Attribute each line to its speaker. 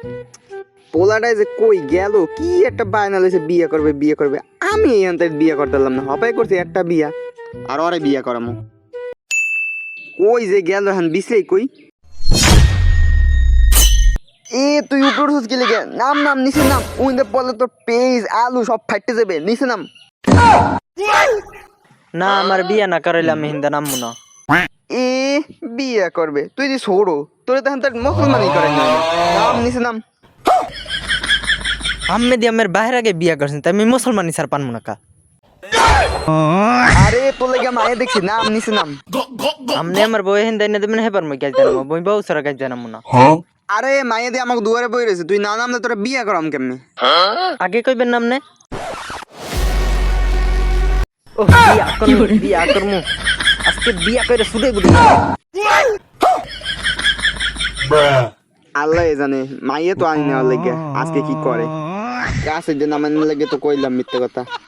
Speaker 1: পোলাটাই যে কই গেল, কি একটা বায়না লইছে বিয়ে করবে বিয়ে করবে। আমি এখান থেকে বিয়ে করতে পারলাম না, হপাই করছি একটা বিয়া আর ওরে বিয়ে করামো। কই যে গেল এখন বিশ্লেই কই। এ তুই উপরে উঠছিস কি লেগে? নাম নাম নিচে নাম, উইন্দে পড়লে তোর পেজ আলু সব ফাইটে যাবে, নিচে নাম।
Speaker 2: না আমার বিয়া না করাইলে আমি হিন্দা নামবো না।
Speaker 1: এ বিয়ে করবে তুই যে ছোড়ো, তোর তখন তার মুসলমানই করে না। নাম নিচে নাম।
Speaker 2: আমি দিয়ে আমার বাইরে আগে বিয়া করছেন তাই আমি মুসলমানি ছাড় পানবো না কা।
Speaker 1: আরে তোর লেগে মায়ে দেখছি, নাম নিচে নাম।
Speaker 2: আমনে আমার বই হিন্দা এনে দেবেন হেবার মই গাছ জানাবো, বই বউ সারা গাছ জানাবো না।
Speaker 1: আরে মায়ে দিয়ে আমাকে দুয়ারে বই রয়েছে, তুই না নামলে তোরা বিয়ে করাম কেমনি?
Speaker 2: আগে কইবেন নাম নে। ও বিয়া করমু আজকে বিয়া করে শুধু গুড়ি।
Speaker 1: আল্লাহ জানে, মাইয়ে তো আনি নেওয়ার লেগে আজকে কি করে। কাছে যে নামানোর লেগে তো কইলাম মিথ্যে কথা।